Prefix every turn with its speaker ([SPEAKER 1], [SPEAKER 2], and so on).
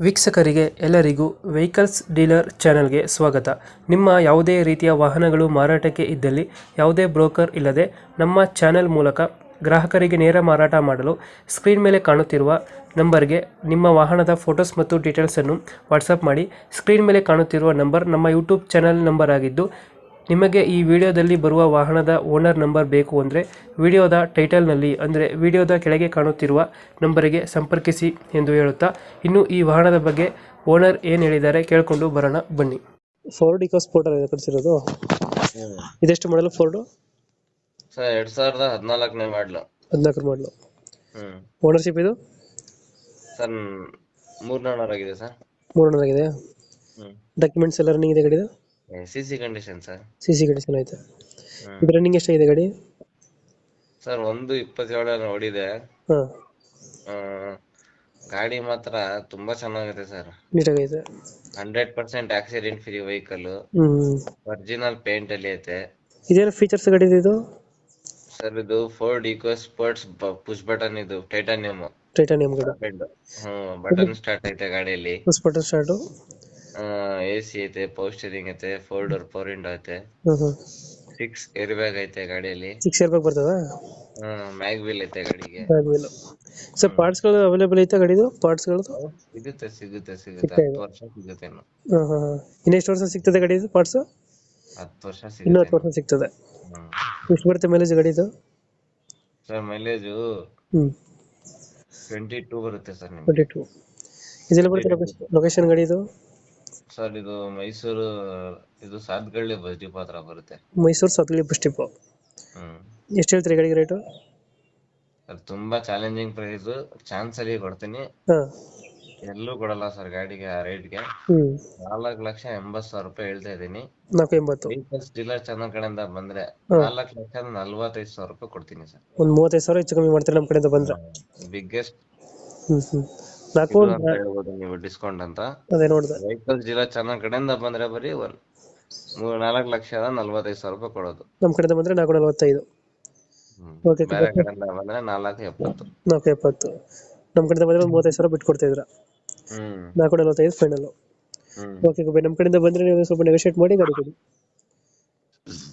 [SPEAKER 1] ವೀಕ್ಷಕರಿಗೆ ಎಲ್ಲರಿಗೂ vehicles dealer ಚಾನೆಲ್ಗೆ ಸ್ವಾಗತ. ನಿಮ್ಮ ಯಾವುದೇ ರೀತಿಯ ವಾಹನಗಳು ಮಾರಾಟಕ್ಕೆ ಇದ್ದಲ್ಲಿ ಯಾವುದೇ ಬ್ರೋಕರ್ ಇಲ್ಲದೆ ನಮ್ಮ ಚಾನೆಲ್ ಮೂಲಕ ಗ್ರಾಹಕರಿಗೆ ನೇರ ಮಾರಾಟ ಮಾಡಲು ಸ್ಕ್ರೀನ್ ಮೇಲೆ ಕಾಣುತ್ತಿರುವ ನಂಬರ್ಗೆ ನಿಮ್ಮ ವಾಹನದ ಫೋಟೋಸ್ ಮತ್ತು ಡೀಟೇಲ್ಸನ್ನು ವಾಟ್ಸಪ್ ಮಾಡಿ. ಸ್ಕ್ರೀನ್ ಮೇಲೆ ಕಾಣುತ್ತಿರುವ ನಂಬರ್ ನಮ್ಮ ಯೂಟ್ಯೂಬ್ ಚಾನೆಲ್ ನಂಬರ್ ಆಗಿದ್ದು, ನಿಮಗೆ ಈ ವಿಡಿಯೋದಲ್ಲಿ ಬರುವ ವಾಹನದ ಓನರ್ ನಂಬರ್ ಬೇಕು ಅಂದರೆ ವಿಡಿಯೋದ ಟೈಟಲ್ನಲ್ಲಿ ಅಂದರೆ ವಿಡಿಯೋದ ಕೆಳಗೆ ಕಾಣುತ್ತಿರುವ ನಂಬರಿಗೆ ಸಂಪರ್ಕಿಸಿ ಎಂದು ಹೇಳುತ್ತಾ, ಇನ್ನು ಈ ವಾಹನದ ಬಗ್ಗೆ ಓನರ್ ಏನು ಹೇಳಿದ್ದಾರೆ ಕೇಳಿಕೊಂಡು ಬರೋಣ ಬನ್ನಿ. ಫೋರ್ಡ್ ಇಕೋ ಸ್ಪೋರ್ಟರ್ ಇದೆ ಕಳಿಸಿರೋದು. ಇದೆಷ್ಟು ಮಾಡಲು ಫೋರ್ಡು?
[SPEAKER 2] ಸರ್ 2014ನೇ ಮಾಡಲು.
[SPEAKER 1] 14 ಮಾಡಲು. ಓನರ್ಶಿಪ್ ಇದು
[SPEAKER 2] ಸರ್ 3 ಓನರ್ ಆಗಿದೆ ಸರ್.
[SPEAKER 1] 3 ಓನರ್ ಆಗಿದೆ. ಡಾಕ್ಯುಮೆಂಟ್ಸ್ ಎಲ್ಲ ರನ್ನಿಂಗ್ ಇದೆ ಗಾಡಿದು?
[SPEAKER 2] CC condition sir.
[SPEAKER 1] CC condition ಐತೆ. ಇದು ರನ್ನಿಂಗ್ ಎಷ್ಟಾಗಿದೆ ಗಾಡಿ?
[SPEAKER 2] ಸರ್ 1.27 ಓಡಿದೆ.
[SPEAKER 1] ಹಾಂ,
[SPEAKER 2] ಗಾಡಿ ಮಾತ್ರ ತುಂಬಾ ಚೆನ್ನಾಗಿದೆ ಸರ್.
[SPEAKER 1] ನೀಟಾಗೈತೆ.
[SPEAKER 2] 100% accident free vehicle. Original paint ಅಲ್ಲಿ ಐತೆ.
[SPEAKER 1] ಇದೇನು ಫೀಚರ್ಸ್ ಗಾಡಿ ಇದು?
[SPEAKER 2] ಸರ್ ಇದು Ford Eco Sports push button, ಇದು ಟೈಟಾನಿಯಂ
[SPEAKER 1] ಟೈಟಾನಿಯಂ ಗಾಡಿ.
[SPEAKER 2] ಬಟನ್ ಸ್ಟಾರ್ಟ್ ಐತೆ ಗಾಡಿಯಲ್ಲಿ.
[SPEAKER 1] First button start.
[SPEAKER 2] AC ಐತೆ, ಪವರ್ ಸ್ಟೀರಿಂಗ್ ಐತೆ, 4 ಡೋರ್ ಪವರ್ ವಿಂಡೋ ಐತೆ, 6 ಏರ್ ಬ್ಯಾಗ್ ಐತೆ ಗಾಡಿಯಲ್ಲಿ.
[SPEAKER 1] 6 ಇಯರ್ ಬ್ಯಾಗ್ ಬರ್ತದ?
[SPEAKER 2] ಮ್ಯಾಗ್ ವೀಲ್ ಐತೆ ಗಾಡಿಗೆ.
[SPEAKER 1] ಸರ್ ಪಾರ್ಟ್ಸ್ಗಳು ಅವೈಲೇಬಲ್ ಐತೆ ಗಾಡಿದು? ಪಾರ್ಟ್ಸ್ಗಳು
[SPEAKER 2] ಸಿಗುತ್ತೆ 10 ವರ್ಷ ಸಿಗುತ್ತೆ.
[SPEAKER 1] ಇನ್ನು ಎಷ್ಟು ವರ್ಷ ಸಿಗ್ತದೆ ಗಾಡಿದು ಪಾರ್ಟ್ಸ್?
[SPEAKER 2] 10 ವರ್ಷ
[SPEAKER 1] ಇನ್ನು
[SPEAKER 2] ಸಿಗುತ್ತೆ.
[SPEAKER 1] 10 ವರ್ಷ ಸಿಗ್ತದೆ. ಎಷ್ಟು ಬರುತ್ತೆ ಮೈಲೇಜ್ ಗಾಡಿದು?
[SPEAKER 2] ಸರ್ ಮೈಲೇಜು 22 ಬರುತ್ತೆ ಸರ್ ನಿಮ್ಗೆ.
[SPEAKER 1] 22. ಇದೆಲ್ಲ ಬರುತ್ತೆ ಲೊಕೇಶನ್ ಗಾಡಿದು?
[SPEAKER 2] ಸರ್ ಇದು ಮೈಸೂರು, ಇದು ಸಾತ್ಗಳ್ಳಿ ಬಸ್ ಡಿಪೋ ಹತ್ರ ಬರುತ್ತೆ.
[SPEAKER 1] Mysuru Sathagalli bus depot. ಎಷ್ಟು ಹೇಳ್ತೀರಿ ಗಾಡಿಗೆ ರೇಟು?
[SPEAKER 2] ಸರ್ ತುಂಬಾ ಚಾಲೆಂಜಿಂಗ್ ಪ್ರೈಸ್, ಚಾನ್ಸ್ ಅಲ್ಲಿ ಕೊಡ್ತೀನಿ.
[SPEAKER 1] ಹಾಂ,
[SPEAKER 2] ಎಲ್ಲೂ ಕೊಡಲ್ಲ ಸರ್ ಗಾಡಿಗೆ ಆ ರೇಟ್ಗೆ. 4,80,000 ರೂಪಾಯಿ ಹೇಳ್ತಾ ಇದೀನಿ.
[SPEAKER 1] 480.
[SPEAKER 2] ವೆಹಿಕಲ್ಸ್ ಡೀಲರ್ ಚಾನಲ್ ಕಡೆಯಿಂದ ಬಂದ್ರೆ 4,45,000 ರೂಪಾಯಿ ಕೊಡ್ತೀನಿ ಸರ್.
[SPEAKER 1] ಒಂದು 35,000 ಹೆಚ್ಚು ಕಮ್ಮಿ ಮಾಡ್ತೀರಿ ನಮ್ಮ ಕಡೆಯಿಂದ ಬಂದ್ರೆ?
[SPEAKER 2] ಬಿಗ್ಗೆಸ್ಟ್ ಹೇಳ್ಬೋದು ನೀವು ಡಿಸ್ಕೌಂಟ್ ಅಂತ.
[SPEAKER 1] ಅದೇ ನೋಡಿದೆ.
[SPEAKER 2] ವೆಹಿಕಲ್ಸ್ ಡೀಲರ್ ಚಾನಲ್ ಕಡೆಯಿಂದ ಬಂದ್ರೆ ಬರೀ 4,45,000 ರೂಪಾಯಿ ಕೊಡೋದು.
[SPEAKER 1] ನಮ್ಮ ಕಡೆಯಿಂದ ಬಂದ್ರೆ 445. ಓಕೆ,
[SPEAKER 2] ಬೇರೆ ಕಡೆಯಿಂದ ಬಂದ್ರೆ 4,70,000.
[SPEAKER 1] 470. ನಮ್ಮ ಕಡೆಯಿಂದ ಬಂದ್ರೆ ಒಂದು 35,000 ಬಿಟ್ಟು ಕೊಡ್ತಾ ಇದ್ರ? 445 ಫೈನಲ್. ಓಕೆ, ನಮ್ಮ ಕಡೆಯಿಂದ ಬಂದ್ರೆ ನೀವು ಸ್ವಲ್ಪ ನೆಗೋಶಿಯೇಟ್ ಮಾಡಿ ಗಾಡಿ ಕೊಡಿ.